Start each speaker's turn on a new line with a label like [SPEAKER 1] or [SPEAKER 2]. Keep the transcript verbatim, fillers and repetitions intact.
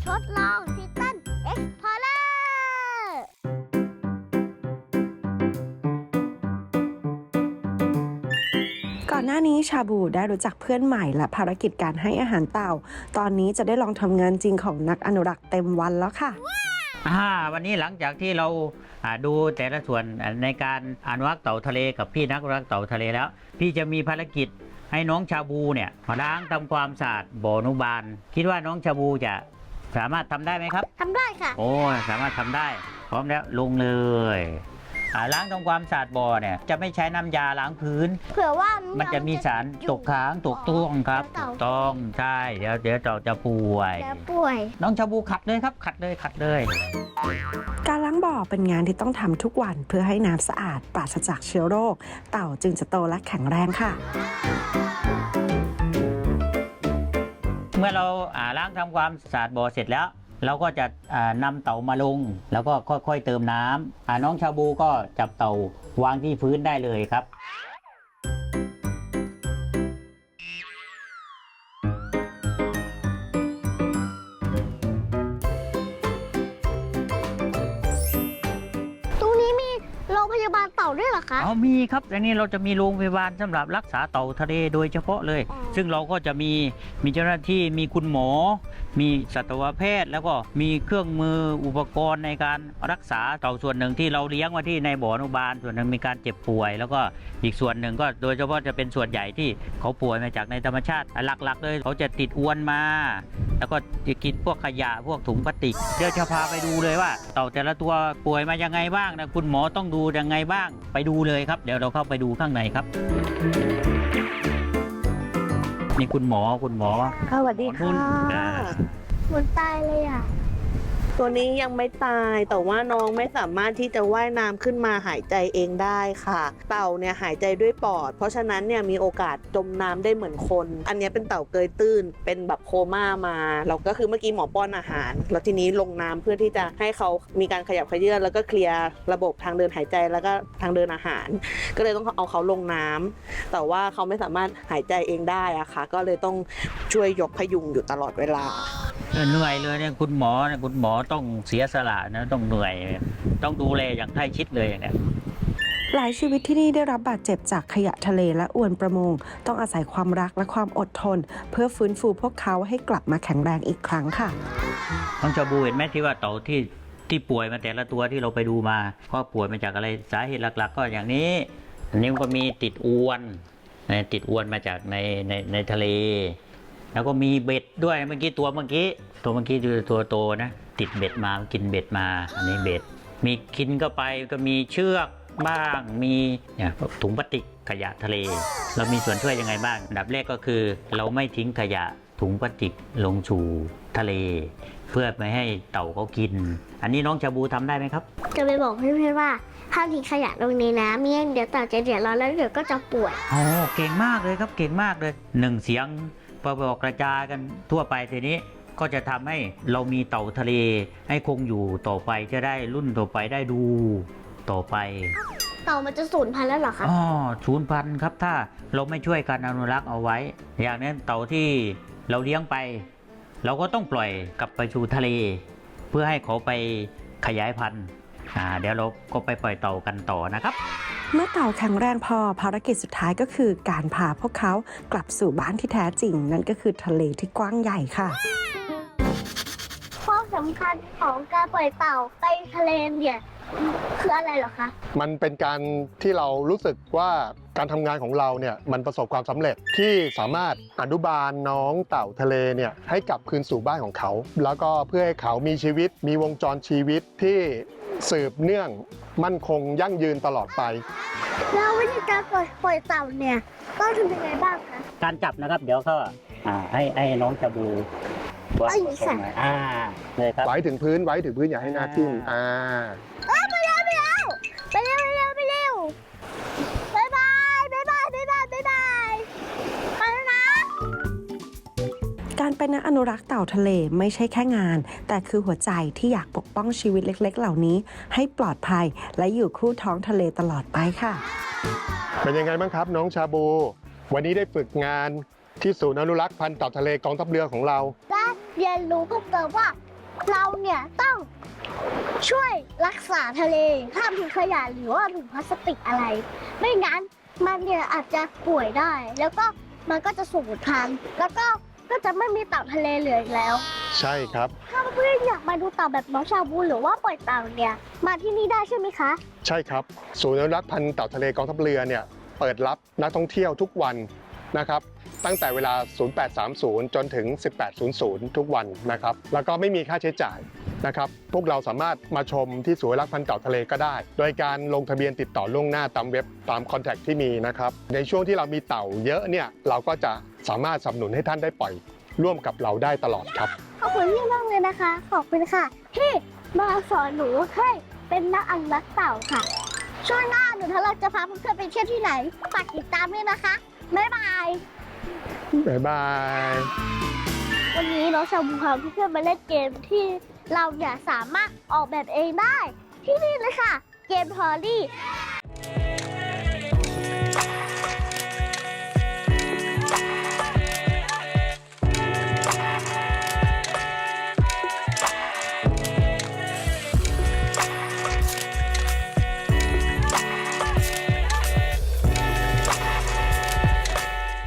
[SPEAKER 1] ทดลองทิตันเอ็กพอร์เลอร์
[SPEAKER 2] ก่อนหน้านี้ชาบูได้รู้จักเพื่อนใหม่และภารกิจการให้อาหารเต่าตอนนี้จะได้ลองทำงานจริงของนักอนุรักษ์เต็มวันแล้วค่ะ
[SPEAKER 3] อ่าวันนี้หลังจากที่เราดูแต่ละส่วนในการอนุรักษ์เต่าทะเลกับพี่นักอนุรักษ์เต่าทะเลแล้วพี่จะมีภารกิจให้น้องชาบูเนี่ยมาล้างทำความสะอาดบ่ออนุบาลคิดว่าน้องชาบูจะสามารถทำได้ไหมครับ
[SPEAKER 1] ทำได้ค่ะ
[SPEAKER 3] โอ้สามารถทำได้พร้อมแล้วลงเลยล้างทำความสะอาดบ่อเนี่ยจะไม่ใช้น้ำยาล้างพื้น
[SPEAKER 1] เผื่อว่า
[SPEAKER 3] มันจะมีสารตกค้างตกต้วงครับถูกต้องใช่เดี๋ยวเดี๋ยวเราจะป่วย
[SPEAKER 1] ป่วย
[SPEAKER 3] น้องชาบูขัดเลยครับขัดเลยขัดเลย
[SPEAKER 2] การล้างบ่อเป็นงานที่ต้องทำทุกวันเพื่อให้น้ำสะอาดปราศจากเชื้อโรคเต่าจึงจะโตและแข็งแรงค่ะ
[SPEAKER 3] เมื่อเราล้างทำความสะอาดบ่อเสร็จแล้วเราก็จะนำเต่ามาลงแล้วก็ค่อยๆเติมน้ำน้องชาบูก็จับเต่าวางที่พื้นได้เลยครับ
[SPEAKER 1] ตรงนี้มีโรงพยาบาลเต่าด้วยเหรอคะ
[SPEAKER 3] อ๋อมีครับอันนี้เราจะมีโรงพยาบาลสำหรับรักษาเต่าทะเลโดยเฉพาะเลยซึ่งเราก็จะมีมีเจ้าหน้าที่มีคุณหมอมีสัตวแพทย์แล้วก็มีเครื่องมืออุปกรณ์ในการรักษาเต่าส่วนหนึ่งที่เราเลี้ยงไว้ที่ในบ่ออนุบาลส่วนหนึ่งมีการเจ็บป่วยแล้วก็อีกส่วนหนึ่งก็โดยเฉพาะจะเป็นส่วนใหญ่ที่เขาป่วยมาจากในธรรมชาติหลักๆเลยเขาจะติดอวนมาแล้วก็จะกินพวกขยะพวกถุงพลาสติกเดี๋ยวจะพาไปดูเลยว่าเต่าแต่ละตัวป่วยมายังไงบ้างนะคุณหมอต้องดูยังไงบ้างไปดูเลยครับเดี๋ยวเราเข้าไปดูข้างในครับนี่คุณหมอคุณหมอ
[SPEAKER 2] สวัสดีค่ะ
[SPEAKER 1] หมดตายเลยอ่ะ
[SPEAKER 4] ตัวนี้ยังไม่ตายแต่ว่าน้องไม่สามารถที่จะว่ายน้ำขึ้นมาหายใจเองได้ค่ะเต่าเนี่ยหายใจด้วยปอดเพราะฉะนั้นเนี่ยมีโอกาสจมน้ำได้เหมือนคนอันนี้เป็นเต่าเกยตื้นเป็นแบบโคม่ามาเราก็คือเมื่อกี้หมอป้อนอาหารแล้วทีนี้ลงน้ำเพื่อที่จะให้เขามีการขยับเขยื้อนแล้วก็เคลียร์ระบบทางเดินหายใจแล้วก็ทางเดินอาหารก็เลยต้องเอาเขาลงน้ำแต่ว่าเขาไม่สามารถหายใจเองได้อะค่ะก็เลยต้องช่วยยกพยุงอยู่ตลอดเวลา
[SPEAKER 3] เหนื่อยเลยเนี่ยคุณหมอเนี่ยคุณหมอต้องเสียสละนะต้องเหนื่อยต้องดูแลอย่างใกล้ชิดเลยอย่างเนี้ย
[SPEAKER 2] หลายชีวิตที่นี่ได้รับบาดเจ็บจากขยะทะเลและอวนประมงต้องอาศัยความรักและความอดทนเพื่อฟื้นฟูพวกเขาให้กลับมาแข็งแรงอีกครั้งค่ะ
[SPEAKER 3] น้องชาบูเห็นไหมที่ว่าเต่าที่ที่ป่วยมาแต่ละตัวที่เราไปดูมาก็ป่วยมาจากอะไรสาเหตุหลักๆก็อย่างนี้อันนี้ก็มีติดอวนติดอวนมาจากในในในทะเลแล้วก็มีเบ็ดด้วยเมื่อกี้ตัวเมื่อกี้ตัวเมื่อกี้ดูตัวโตนะติดเบ็ดมากินเบ็ดมาอันนี้เบ็ดมีกินเข้าไปก็มีเชือกบ้างมีเนี่ยถุงพลาสติกขยะทะเลเรามีส่วนช่วยยังไงบ้างอันดับแรกก็คือเราไม่ทิ้งขยะถุงพลาสติกลงสู่ทะเลเพื่อไม่ให้เต่าเขากินอันนี้น้องชาบูทำได้ไหมครับ
[SPEAKER 1] จะไปบอกเพื่อนๆว่าห้ามทิ้งขยะลงในน้ำไม่งั้นเดี๋ยวเต่าจะเดือดร้อนแล้วเดี๋ยวก็จะป่วย
[SPEAKER 3] โอ้เก่งมากเลยครับเก่งมากเลยหนึ่งเสียงพอบอกกระจายกันทั่วไปทีนี้ก็จะทำให้เรามีเต่าทะเลให้คงอยู่ต่อไปจะได้รุ่นต่อไปได้ดูต่อไป
[SPEAKER 1] เต่ามันจะสูญพันธุ์แล้วเหรอคะ
[SPEAKER 3] อ๋อสูญพันธุ์ครับถ้าเราไม่ช่วยกันอนุรักษ์เอาไว้อย่างนั้นเต่าที่เราเลี้ยงไปเราก็ต้องปล่อยกลับไปสู่ทะเลเพื่อให้เขาไปขยายพันธุ์อ่าเดี๋ยวเราก็ไปปล่อยเต่ากันต่อนะครับ
[SPEAKER 2] เมื่อเต่าแข็งแรงพอภารกิจสุดท้ายก็คือการพาพวกเขากลับสู่บ้านที่แท้จริงนั่นก็คือทะเลที่กว้างใหญ่ค่ะ
[SPEAKER 1] ความสำคัญของการปล่อยเต่าไปทะเลเนี่ยคืออะไรเหรอคะ
[SPEAKER 5] มันเป็นการที่เรารู้สึกว่าการทำงานของเราเนี่ยมันประสบความสำเร็จที่สามารถอนุบาลน้องเต่าทะเลเนี่ยให้กลับคืนสู่บ้านของเขาแล้วก็เพื่อให้เขามีชีวิตมีวงจรชีวิตที่สืบเนื่องมั่นคงยั่งยืนตลอดไป
[SPEAKER 1] แล้ววิธีการปล่อยปล่อยเต่าเนี่ยต้องทำยังไงบ้างคะ
[SPEAKER 3] การจับนะครับเดี๋ยวก็อ่าให้ให้น้องชาบู
[SPEAKER 1] ไอ้สั่น
[SPEAKER 3] อ่าเลยครับ
[SPEAKER 5] ไว้ถึงพื้นไว้ถึงพื้นอย่าให้หน้าทิ่มอ่า
[SPEAKER 1] ไปเร็วไปเร็วไปเร็วไปเร็วไปเร็วบ๊ายบายบ๊ายบายบ๊ายบายบ๊ายบายไปแล้วนะ
[SPEAKER 2] การเป็นนักอนุรักษ์เต่าทะเลไม่ใช่แค่งานแต่คือหัวใจที่อยากปกป้องชีวิตเล็กๆเหล่านี้ให้ปลอดภัยและอยู่คู่ท้องทะเลตลอดไปค่ะ
[SPEAKER 5] เป็นยังไงบ้างครับน้องชาบูวันนี้ได้ฝึกงานที่ศูนย์อนุรักษ์พันธุ์เต่าทะเลกองทัพเรือของเรา
[SPEAKER 1] และเรียนรู้เพิ่มเติมว่าเราเนี่ยต้องช่วยรักษาทะเลห้ามทิ้งขยะหรือว่าถุงพลาสติกอะไร ไม่งั้นมันเนี่ยอาจจะป่วยได้ แล้วก็มันก็จะสูญพันธุ์แล้วก็ก็จะไม่มีเต่าทะเลเหลืออีกแล้ว
[SPEAKER 5] ใช่ครับ
[SPEAKER 1] ถ้าเพื่อนอยากมาดูเต่าแบบน้องชาบูหรือว่าปล่อยเต่าเนี่ยมาที่นี่ได้ใช่ไหมคะ
[SPEAKER 5] ใช่ครับศูนย์อนุรักษ์พันธุ์เต่าทะเลกองทัพเรือเนี่ยเปิดรับนักท่องเที่ยวทุกวันนะครับตั้งแต่เวลา ศูนย์แปดสามศูนย์ จนถึง สิบแปดศูนย์ศูนย์ ทุกวันนะครับแล้วก็ไม่มีค่าใช้จ่ายนะครับพวกเราสามารถมาชมที่ศูนย์อนุรักษ์พันธุ์เต่าทะเลก็ได้ โดยการลงทะเบียนติดต่อล่วงหน้าตามเว็บตามคอนแทคที่มีนะครับในช่วงที่เรามีเต่าเยอะเนี่ยเราก็จะสามารถสนับสนุนให้ท่านได้ปล่อยร่วมกับเราได้ตลอดครับ
[SPEAKER 1] ขอบคุณพี่มากเลยนะคะ ขอบคุณค่ะที่มาสอนหนูให้เป็นนักอนุรักษ์เต่าค่ะ ช่วงหน้าหนูทะเลาะจะพาเพื่อนๆไปเที่ยวที่ไหนฝากติดตามด้วยนะคะ บ๊ายบาย
[SPEAKER 5] บ๊ายบาย
[SPEAKER 1] วันนี้น้องชาบูพาเพื่อนๆมาเล่นเกมที่เราเนี่ยสามารถออกแบบเองได้ ที่นี่เลยค่ะ เกมทอรี่